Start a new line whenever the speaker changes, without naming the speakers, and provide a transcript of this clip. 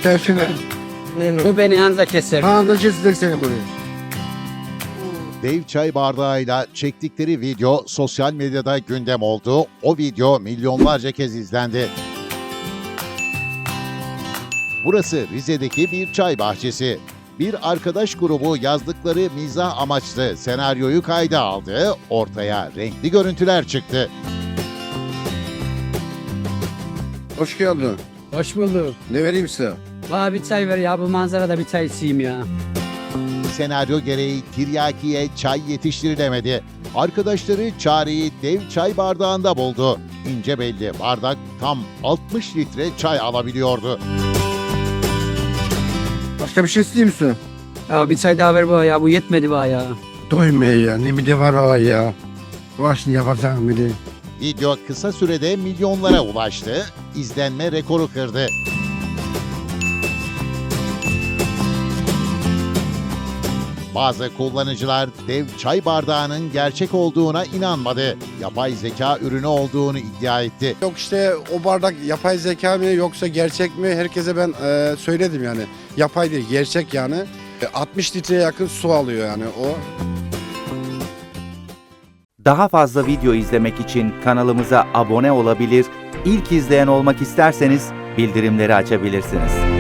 tersine.
Bu beni anza keser.
Anında kesilir seni buraya.
Dev çay bardağıyla çektikleri video sosyal medyada gündem oldu. O video milyonlarca kez izlendi. Burası Rize'deki bir çay bahçesi. Bir arkadaş grubu yazdıkları mizah amaçlı senaryoyu kayda aldı. Ortaya renkli görüntüler çıktı.
Hoş geldin.
Hoş bulduk.
Ne vereyim size?
Bana bir çay ver ya, bu manzarada bir çay içeyim ya.
Senaryo gereği tiryakiye çay yetiştirilemedi. Arkadaşları çareyi dev çay bardağında buldu. İnce belli bardak tam 60 litre çay alabiliyordu.
Başka bir şey isteyeyim misin?
Ya bir çay daha ver bana ya, bu yetmedi bana ya.
Doymaya ya. Ne bir de var o ya. Başını yapacağım bir de.
Video kısa sürede milyonlara ulaştı, izlenme rekoru kırdı. Bazı kullanıcılar dev çay bardağının gerçek olduğuna inanmadı. Yapay zeka ürünü olduğunu iddia etti.
Yok işte o bardak yapay zeka mı yoksa gerçek mi? Herkese ben söyledim yani. Yapay değil, gerçek yani. 60 litreye yakın su alıyor yani o.
Daha fazla video izlemek için kanalımıza abone olabilir, ilk izleyen olmak isterseniz bildirimleri açabilirsiniz.